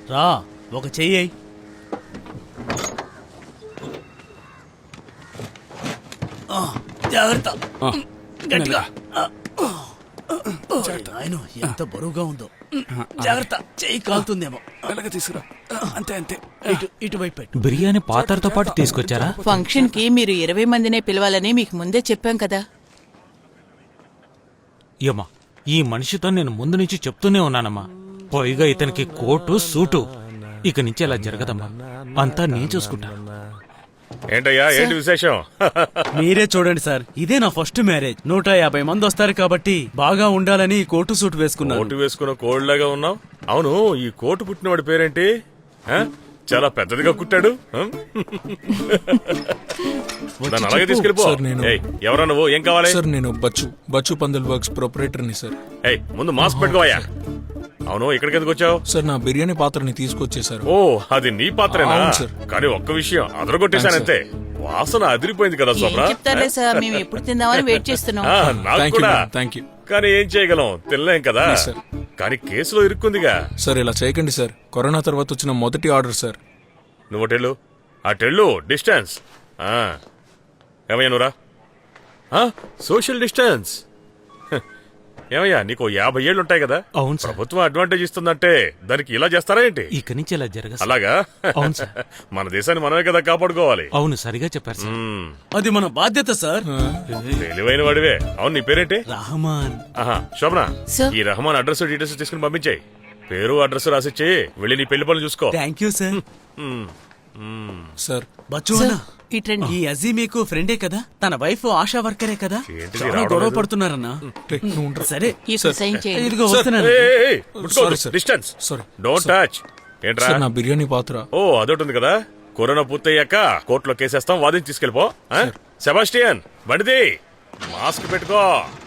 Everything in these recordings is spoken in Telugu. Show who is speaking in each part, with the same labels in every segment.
Speaker 1: రా ఒక చెయ్యి. జాగ్రత్త, గట్టిగా. ఆయన ఎంత బరువుగా ఉందో. జాగ్రత్త, చెయ్యి కాలుతుందేమో.
Speaker 2: తీసుకురా. అంతే అంతే.
Speaker 1: ఇటువైపు పెట్టు.
Speaker 3: బిర్యానీ పాత్రతో పాటు తీసుకొచ్చారా?
Speaker 4: ఫంక్షన్ కి మీరు 20 మందినే పిలవాలని మీకు ముందే చెప్పాం కదా.
Speaker 3: ఏమా, ఈ మనిషితో నేను ముందు నుంచి చెప్తూనే ఉన్నానమ్మా. పైగా ఇతనికి కోటు సూటు. ఇక నుంచి అలా జరగదమ్మా, అంతా నేను చూసుకుంటా.
Speaker 5: ఏంటయ్యా, ఏంటి విశేషం?
Speaker 1: మీరే చూడండి సార్, ఇదే నా ఫస్ట్ మ్యారేజ్. 150 మంది వస్తారు కాబట్టి బాగా ఉండాలని కోటు సూట్ వేసుకున్నాను.
Speaker 5: కోటు వేసుకున్న కోళ్ళగా ఉన్నావు. అవును, ఈ కోటు పుట్టినవాడి పేరేంటి? చాలా పెద్దదిగా కుట్టాడు. నన్ను అలాగే తీసుకెళ్ళిపో. ఎవరా నువ్వు? ఏం కావాలి?
Speaker 2: సార్ నేను బచ్చు పందల్ వర్క్స్ ప్రొపరేటర్ని సార్.
Speaker 5: ముందు మాస్క్ పెట్టుకోవయ్యా. అవును, ఇక్కడికి ఎందుకు వచ్చావు?
Speaker 2: సార్ నా బిర్యానీ పాత్రని తీసుకొచ్చేసారు.
Speaker 5: ఓ, అది నీ పాత్రేనా?
Speaker 2: సార్.
Speaker 5: కానీ ఒక్క విషయం అదరగొట్టేశానంతే. వాసన అదిరిపోయింది కదా శోభ్రా.
Speaker 4: చెప్తారే సార్, మేము ఎప్పుడు తిందామని వెయిట్ చేస్తున్నాం.
Speaker 5: నాకు కూడా.
Speaker 2: Thank you.
Speaker 5: కానీ ఏం చేయగలం, తినలేం కదా. కానీ కేసులో ఇరుక్కుందిగా.
Speaker 2: సార్ ఇలా చేయకండి సార్, కరోనా తర్వాత వచ్చిన మొదటి ఆర్డర్ సార్.
Speaker 5: నువ్వు టెల్లు, ఆ టెల్లు డిస్టెన్స్. ఏమయ్యా నువ్వురా, సోషల్ డిస్టెన్స్. ఏమయ్యా, నీకు 50 ఏళ్ళు ఉంటాయి కదా.
Speaker 3: అవును సార్.
Speaker 5: ప్రభుత్వం అడ్వాంటేజ్ ఇస్తుందంటే దానికి ఇలా చేస్తారా ఏంటి?
Speaker 3: ఇక నుంచి ఇలా జరగదు.
Speaker 5: అలాగా?
Speaker 3: అవును సార్.
Speaker 5: మన దేశాన్ని మనమే కదా కాపాడుకోవాలి.
Speaker 3: అవును, సరిగా చెప్పారు సార్.
Speaker 1: అది మన బాధ్యత సార్.
Speaker 5: తెలివైన వాడివే. అవును, నీ పేరేంటి?
Speaker 1: రహమాన్.
Speaker 5: శోభనా,
Speaker 4: సార్.
Speaker 5: ఈ రహమాన్ అడ్రస్ డీటెయిల్స్ తీసుకుని పంపించాయి. పేరు అడ్రస్ రాసిచ్చి వెళ్ళి నీ పెళ్లి పనులు చూసుకో.
Speaker 1: Thank you sir.
Speaker 2: Sir
Speaker 1: Bachchu అన్న,
Speaker 4: ఇట్రండి.
Speaker 1: ఈ అజీ మీకు ఫ్రెండే కదా? తన వైఫ్ ఆశా వర్కరే కదా?
Speaker 5: ఏంటిది
Speaker 1: చాలా
Speaker 5: రావడం
Speaker 1: గొడవ
Speaker 5: లేదు?
Speaker 1: పడుతున్నారన్నా. సరే,
Speaker 4: ఇప్పుడు సైన్ చేయండి.
Speaker 1: ఇదిగో వస్తున్నాను.
Speaker 2: Sorry, sir.
Speaker 5: Distance.
Speaker 2: Sorry.
Speaker 5: Don't touch. ఏంట్రా?
Speaker 2: సార్ నా బిర్యానీ పాత్ర.
Speaker 5: ఓ, అదొకటి ఉంది కదా. కరోనా పూర్తయ్యాక కోర్టులో కేసేస్తాం, వాదించి తీసుకెళ్ళిపో. సెబాస్టియన్, బండిది. మాస్క్ పెట్టుకో.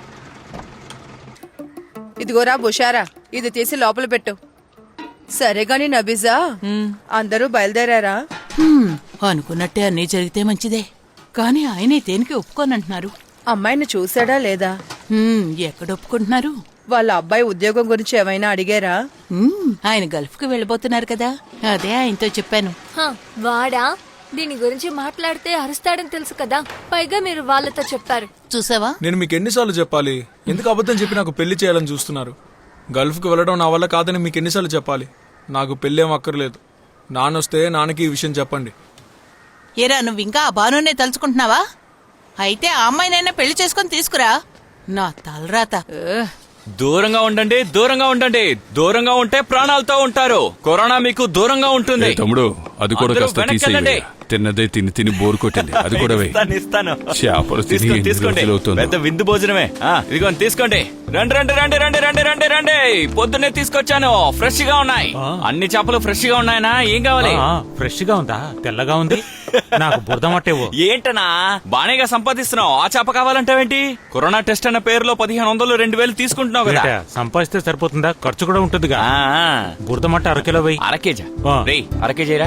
Speaker 6: ఇదిగోరా బుషారా, ఇది తీసి లోపల పెట్టు. సరే గాని నబీజా, అందరూ బయలుదేరారా?
Speaker 4: అనుకున్నట్టే అన్నీ జరిగితే మంచిదే. కానీ ఆయనే దేనికి ఒప్పుకోనంటున్నారు.
Speaker 6: అమ్మాయిని చూసాడా లేదా?
Speaker 4: ఎక్కడ ఒప్పుకుంటున్నారు?
Speaker 6: వాళ్ళ అబ్బాయి ఉద్యోగం గురించి ఏమైనా అడిగారా?
Speaker 4: ఆయన గల్ఫ్ కు వెళ్ళిపోతున్నారు కదా, అదే ఆయనతో చెప్పాను.
Speaker 7: వాడా? దీని గురించి మాట్లాడితే అరుస్తాడని తెలుసు కదా, పైగా మీరు వాళ్ళతో చెప్పారు.
Speaker 4: చూసావా?
Speaker 2: నేను మీకు ఎన్నిసార్లు చెప్పాలి? ఎందుకు అబద్ధం చెప్పి నాకు పెళ్లి చేయాలని చూస్తున్నారు? గల్ఫ్ కు వెళ్ళడం నా వల్ల కాదని మీకు ఎన్నిసార్లు చెప్పాలి? నాకు పెళ్ళేం అక్కర్లేదు. నాన్నొస్తే నాన్నకి ఈ విషయం చెప్పండి.
Speaker 4: ఏరా, నువ్వు ఇంకా ఆ బానునే తలుచుకుంటున్నావా? అయితే ఆ అమ్మాయినైనా పెళ్లి చేసుకుని తీసుకురా. నా తలరాత.
Speaker 3: దూరంగా ఉండండి, దూరంగా ఉండండి. దూరంగా ఉంటే ప్రాణాలతో ఉంటారు. కరోనా మీకు దూరంగా ఉంటుంది.
Speaker 8: తమ్ముడు, అది కూడా
Speaker 3: అందరూ
Speaker 8: కాస్త
Speaker 3: వెనక్కి వెళ్ళండి.
Speaker 8: తిన్నదే తిని బోరు కొట్టింది. అది కూడా
Speaker 3: ఇస్తాను.
Speaker 8: చేపలు తిని ఎన్ని
Speaker 3: తీసుకోండి.
Speaker 8: రోజులవుతుందో.
Speaker 3: పెద్ద విందు భోజనమే. ఇదిగో తీసుకోండి. రండి రండి రండి రండి రండి రండి రండి. పొద్దున్నే తీసుకొచ్చాను, ఫ్రెష్ గా ఉన్నాయి. అన్ని చేపలు ఫ్రెష్ గా ఉన్నాయనా? ఏం కావాలి? ఫ్రెష్ గా ఉందా? తెల్లగా ఉంది. నాకు బురద మట్టేవో. ఏంటనా బానేగా సంపాదిస్తున్నావు, ఆ చేప కావాలంటావేంటి? కరోనా టెస్ట్ అన్న పేరులో 1500 2000 తీసుకుంటున్నావు కదా. సంపాదిస్తే సరిపోతుందా? ఖర్చు కూడా ఉంటుందిగా. బురద మట్ట అరకిలో వెయ్యి. అరకేజా? అరకేజీరా.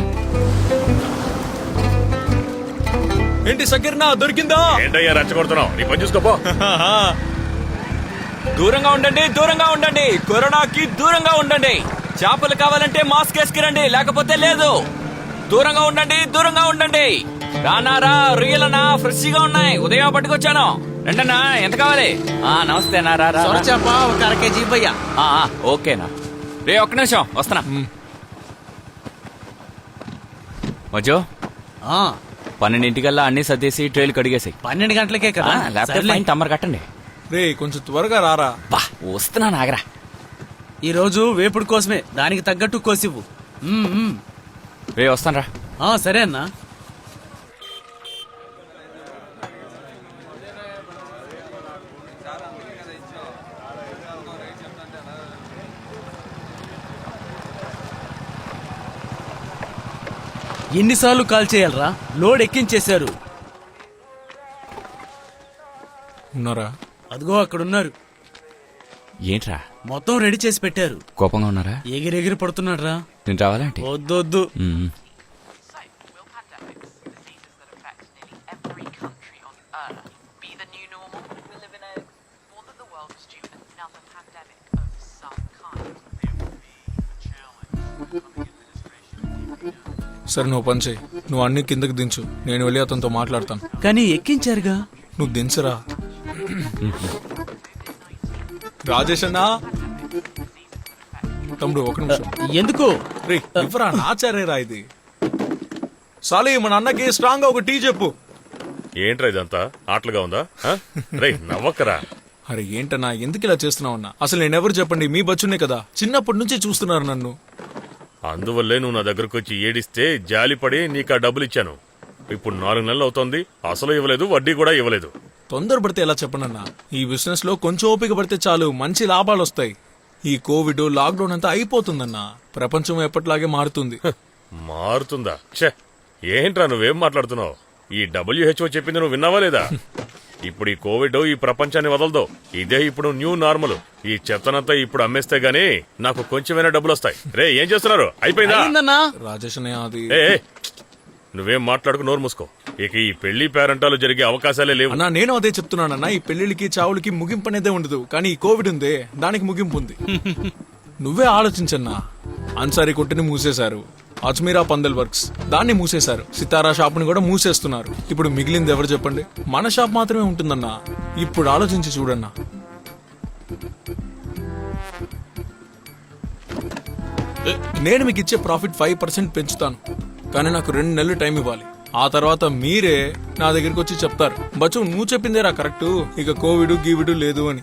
Speaker 2: ఏంటి సకీర్నా, దొరికిందా?
Speaker 5: ఏంటయ్యా రెచ్చగొడుతున్నావు? నీ పని చూసుకోపో.
Speaker 3: దూరంగా ఉండండి, దూరంగా ఉండండి. కరోనాకి దూరంగా ఉండండి. చేపలు కావాలంటే మాస్క్ వేసుకురండి, లేకపోతే లేదు. దూరంగా ఉండండి, దూరంగా ఉండండి. రానారా, రొయ్యలనా, ఫ్రెష్ గా ఉన్నాయి. ఉదయం పట్టుకొచ్చాను. రండన్నా, ఎంత కావాలి? నమస్తే నా.
Speaker 1: చేప ఒక 1 kg ఇవ్వయ్యా.
Speaker 3: ఓకేనా రే, ఒక్క నిమిషం వస్తున్నా. మజో, 12 అన్ని సర్దేసి ట్రైల్ కడిగేసి.
Speaker 1: 12 గంటలకే కదా?
Speaker 3: ల్యాప్టాప్ ఫైన్ తమ్మరు కట్టండి.
Speaker 2: రే కొంచెం త్వరగా రారా.
Speaker 3: వస్తున్నా నాగరా.
Speaker 1: ఈ రోజు వేపుడు కోసమే, దానికి తగ్గట్టు కోసివ్వు.
Speaker 3: రే వస్తాను రా.
Speaker 1: సరే అన్నా. ఎన్నిసార్లు కాల్ చేయాలరా? లోడ్ ఎక్కించేశారు.
Speaker 2: ఉన్నారా?
Speaker 1: అదిగో అక్కడున్నారు.
Speaker 3: ఏంట్రా
Speaker 1: మొత్తం రెడీ చేసి పెట్టారు.
Speaker 3: కోపంగా ఉన్నారా?
Speaker 1: ఎగిరెగిరి పడుతున్నాడు రా.
Speaker 3: నేను రావాలంటే
Speaker 1: వద్దొద్దు.
Speaker 2: సరే నువ్వు పని చేయి, నువ్వు అన్ని కిందకి దించు, నేను వెళ్ళి అతనితో మాట్లాడతాను.
Speaker 1: కానీ ఎక్కించారుగా.
Speaker 2: నువ్వు దించరా. రాజేష్ అన్నా, తమ్ముడు ఒక నిమిషం.
Speaker 1: ఎందుకు?
Speaker 2: రే ఇవ్వరా, నాచారేరా ఇది. సాలి మన అన్నకి స్ట్రాంగ్ గా ఒక టీ చెప్పు.
Speaker 5: ఏంట్రా ఇదంతా ఆటలుగా ఉందా? రే నవ్వక్కరా.
Speaker 2: అరే ఏంటన్నా, ఎందుకు ఇలా చేస్తున్నావు అన్నా? అసలు నేనెవరు చెప్పండి, మీ బచ్చునే కదా, చిన్నప్పటి నుంచి చూస్తున్నారు నన్ను.
Speaker 5: అందువల్లే నువ్వు నా దగ్గరకు వచ్చి ఏడిస్తే జాలిపడి నీకు ఆ డబ్బులు ఇచ్చాను. ఇప్పుడు 4 నెలలు అవుతోంది, అసలు ఇవ్వలేదు, వడ్డీ కూడా ఇవ్వలేదు.
Speaker 2: తొందరపడితే ఎలా చెప్పనన్నా, ఈ బిజినెస్ లో కొంచెం ఓపిక పడితే చాలు, మంచి లాభాలు వస్తాయి. ఈ కోవిడ్ లాక్డౌన్ అంతా అయిపోతుందన్నా, ప్రపంచం ఎప్పటిలాగే మారుతుంది.
Speaker 5: మారుతుందా? ఛే, ఏంట్రా నువ్వేం మాట్లాడుతున్నావు? ఈ WHO చెప్పింది నువ్వు విన్నావా లేదా? ఇప్పుడు ఈ కోవిడ్ ఈ ప్రపంచాన్ని వదలదు. ఇదే ఇప్పుడు న్యూ నార్మల్. ఈ చెత్తనంతా ఇప్పుడు అమ్మేస్తే గానీ నాకు కొంచెమైనా డబ్బులు వస్తాయి. రే ఏం చేస్తున్నారు? అయిపోయిందా?
Speaker 1: అయిందన్నా.
Speaker 2: రాజేష్ అన్నయ్య, అది
Speaker 5: నువ్వేం మాట్లాడుకు, నోరు మూసుకో. ఇక ఈ పెళ్లి పేరంటాలు జరిగే అవకాశాలే లేవు.
Speaker 2: అన్నా నేను అదే చెప్తున్నానన్నా, ఈ పెళ్లిళ్ళకి చావులకి ముగింపు అనేదే ఉండదు, కానీ ఈ కోవిడ్ ఉందే దానికి ముగింపు ఉంది. నువ్వే ఆలోచించన్నా, అన్సారీ కొట్టుని మూసేశారు, అజ్మీరా పందల్ వర్క్స్ దాన్ని మూసేశారు, సితారా షాప్ ని కూడా మూసేస్తున్నారు. ఇప్పుడు మిగిలింది ఎవరు చెప్పండి? మన షాప్ మాత్రమే ఉంటుందన్నా. ఇప్పుడు ఆలోచించి చూడన్నా. నేను మీకు ఇచ్చే ప్రాఫిట్ 5% పెంచుతాను, కానీ నాకు 2 నెలలు టైం ఇవ్వాలి. ఆ తర్వాత మీరే నా దగ్గరికి వచ్చి చెప్తారు, బచ్చు నువ్వు చెప్పిందేరా కరెక్ట్, ఇక కోవిడ్ గీవిడ్ లేదు అని.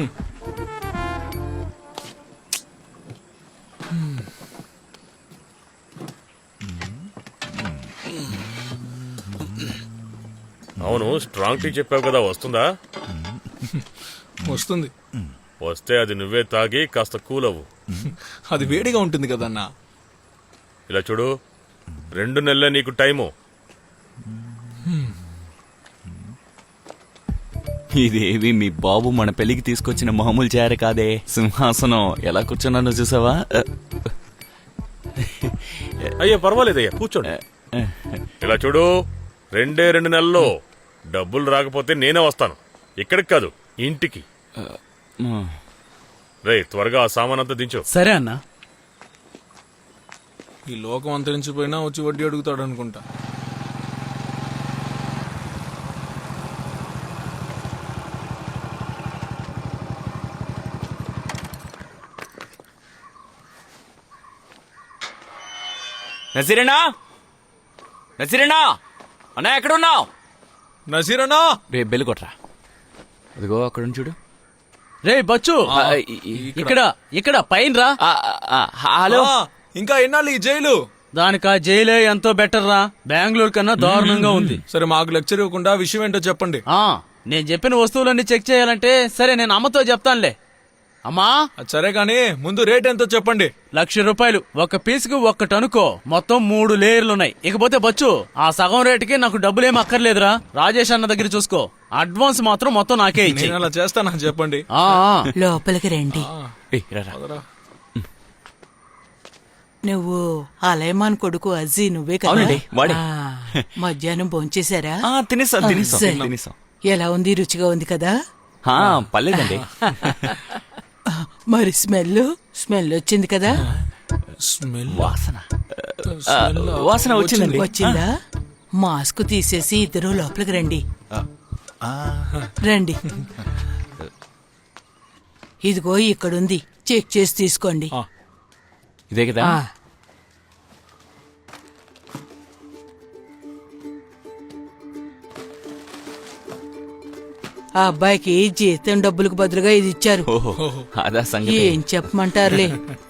Speaker 5: అవును, స్ట్రాంగ్ టీ చెప్పావు కదా, వస్తుందా?
Speaker 2: వస్తుంది.
Speaker 5: వస్తే అది నువ్వే తాగి కాస్త కూల్ అవ్వు.
Speaker 2: అది వేడిగా ఉంటుంది కదన్నా.
Speaker 5: ఇలా చూడు, 2 నెలలే నీకు టైము.
Speaker 3: ఇదేవి మీ బాబు మన పెళ్లికి తీసుకొచ్చిన మామూలు చేర కాదే. సింహాసనం ఎలా కూర్చున్నానో చూసావా?
Speaker 5: అయ్యా పర్వాలేదయ్యా, కూర్చోండి. ఇలా చూడు, 2 నెలల్లో డబ్బులు రాకపోతే నేనే వస్తాను. ఇక్కడికి కాదు, ఇంటికి. రే త్వరగా ఆ సామానంతా దించు.
Speaker 1: సరే అన్నా.
Speaker 2: ఈ లోకం అంతరించిపోయినా వచ్చి వడ్డీ అడుగుతాడు అనుకుంటా.
Speaker 3: నజీరేనా, నజీరేనా అన్నా ఎక్కడున్నావు?
Speaker 2: నజీరనా,
Speaker 3: రే బెల్లు కొట్రా. అదిగో అక్కడ చూడు.
Speaker 1: రే బచ్చు, ఇక్కడ ఇక్కడ పైన రా.
Speaker 3: హలో.
Speaker 2: ఇంకా ఎన్నాళ్ళు ఈ జైలు?
Speaker 1: దానికా జైలే ఎంతో బెటర్ రా. బెంగళూరు కన్నా దారుణంగా ఉంది.
Speaker 2: సరే మాకు లెక్చర్ ఇవ్వకుండా విషయం ఏంటో చెప్పండి.
Speaker 1: నేను చెప్పిన వస్తువులన్నీ చెక్ చేయాలంటే సరే నేను అమ్మతో చెప్తానులే. అమ్మా,
Speaker 2: సరే గానీ ముందు రేట్ ఎంతో చెప్పండి.
Speaker 1: 1,00,000 రూపాయలు. ఒక పీసుకు 1 అనుకో. మొత్తం 3 లేయర్లున్నాయి. ఇకపోతే బచ్చు, ఆ సగం రేటుకి నాకు డబ్బులేం అక్కర్లేదురా. రాజేష్ అన్న దగ్గర చూసుకో. అడ్వాన్స్ మాత్రం మొత్తం నాకే ఇచ్చి.
Speaker 2: నేను అలా చేస్తానా చెప్పండి.
Speaker 4: లోపలికి రండి.
Speaker 2: పదరా.
Speaker 4: నువ్వు అలయమాన్ కొడుకు అజ్జీ నువ్వే కదా?
Speaker 3: అవునండి, వాడే.
Speaker 4: మధ్యాహ్నం భోంచేశారా?
Speaker 3: తినేసాం.
Speaker 4: ఎలా ఉంది? రుచిగా ఉంది కదా?
Speaker 3: పర్లేదండి.
Speaker 4: మరి స్మెల్ వచ్చింది కదా?
Speaker 2: స్మెల్
Speaker 3: వాసన వచ్చిందండి.
Speaker 4: వచ్చిందా? మాస్క్ తీసేసి ఇద్దరు లోపలికి రండి. రండి. ఇదిగో ఇక్కడుంది, చెక్ చేసి తీసుకోండి.
Speaker 3: ఇదే కదా?
Speaker 4: ఆ అబ్బాయికి జీతం డబ్బులకు బదులుగా ఇది ఇచ్చారు.
Speaker 3: అదా సంగతి.
Speaker 4: ఏం చెప్పమంటారులే.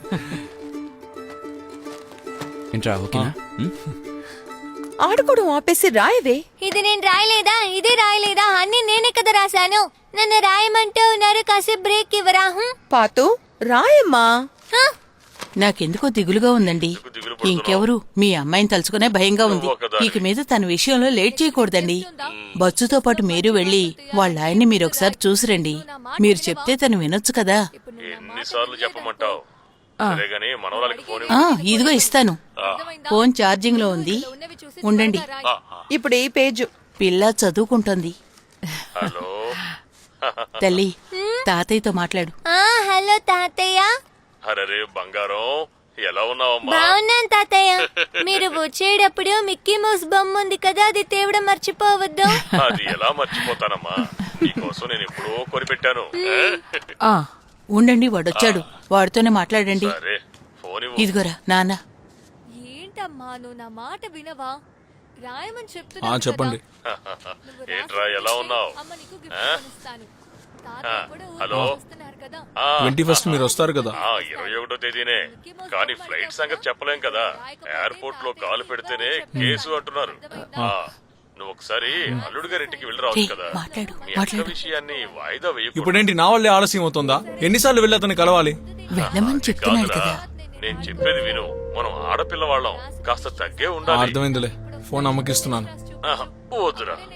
Speaker 3: ఏంట్రా, ఓకేనా?
Speaker 6: ఆడుకోవడం ఆపేసి రాయవే.
Speaker 7: ఇది నేను రాయలేదా? ఇది రాయలేదా? అన్ని నేనే కదా రాశాను. నన్ను రాయమంటూ ఉన్నారు, కాసేపు బ్రేక్ ఇవ్వరా?
Speaker 6: పాతు రాయమ్మా.
Speaker 4: నాకెందుకో దిగులుగా ఉందండి. ఇంకెవరు? మీ అమ్మాయిని తలుచుకునే భయంగా ఉంది. ఇక మీద తన విషయంలో లేట్ చేయకూడదండి. బస్సుతో పాటు మీరు వెళ్ళి వాళ్ళ ఆయన్ని మీరు ఒకసారి చూసిరండి. మీరు చెప్తే తను వినొచ్చు కదా.
Speaker 5: ఎన్నిసార్లు చెప్పమంటావు? సరే గానీ మనవరాలకి ఫోన్
Speaker 4: ఇదిగో ఇస్తాను. ఫోన్ ఛార్జింగ్ లో ఉంది, ఉండండి.
Speaker 6: ఇప్పుడు ఈ పేజు.
Speaker 4: పిల్ల చదువుకుంటుంది.
Speaker 5: హలో
Speaker 4: తల్లి, తాతయ్యతో మాట్లాడు.
Speaker 7: హలో తాతయ్య.
Speaker 5: అరే బంగారం, ఎలా ఉన్నావమ్మా
Speaker 7: బాగున్నాను తాతయ్య. మీరు వచ్చేటప్పుడు మిక్కీ మౌస్ బొమ్మ ఉంది కదా, అది తేవడం మర్చిపోవద్దు.
Speaker 5: అది ఎలా మర్చిపోతానమ్మా, నీకోసం నేను ఎప్పుడో కొనిపెట్టాను.
Speaker 4: ఆ ఉండండి, వాడొచ్చాడు, వాడితోనే మాట్లాడండి.
Speaker 5: సరే ఫోన్ ఇవ్వు.
Speaker 4: ఇదిగోరా నాన్న.
Speaker 7: ఏంటమ్మా నువ్వు నా మాట వినవా? రాయమని
Speaker 2: ఆ,
Speaker 7: చెప్తున్నా.
Speaker 2: చెప్పండి.
Speaker 5: ఏంట్రా ఎలా ఉన్నావు? హలో
Speaker 2: 21st మీరు వస్తారు కదా.
Speaker 5: 21వ తేదీనే, కానీ ఫ్లైట్ సంగతి చెప్పలేం కదా. ఎయిర్పోర్ట్ లో కాలు పెడితేనే కేసు అంటున్నారు. ఆ, నువ్వు ఒకసారి అల్లుడు గారింటికి వెళ్ళి రావచ్చు కదా.
Speaker 4: మాట్లాడు,
Speaker 5: మీ అక్క
Speaker 4: మాట్లాడు.
Speaker 5: విషయాన్ని వాయిదా వేయకూడదు.
Speaker 2: ఇప్పుడేంటి నా వల్లే ఆలస్యం అవుతుందా? ఎన్నిసార్లు వెళ్ళి అతను కలవాలి?
Speaker 4: వెళ్ళమని చెప్తున్నాడు
Speaker 5: కాదురా,
Speaker 4: కదా.
Speaker 5: నేను చెప్పేది విను. మనం ఆడపిల్ల వాళ్ళం, కాస్త తగ్గే ఉండాలి.
Speaker 2: అర్థమైందిలే, ఫోన్ అమ్మకిస్తున్నాను.
Speaker 5: ఆహా, వద్దురా.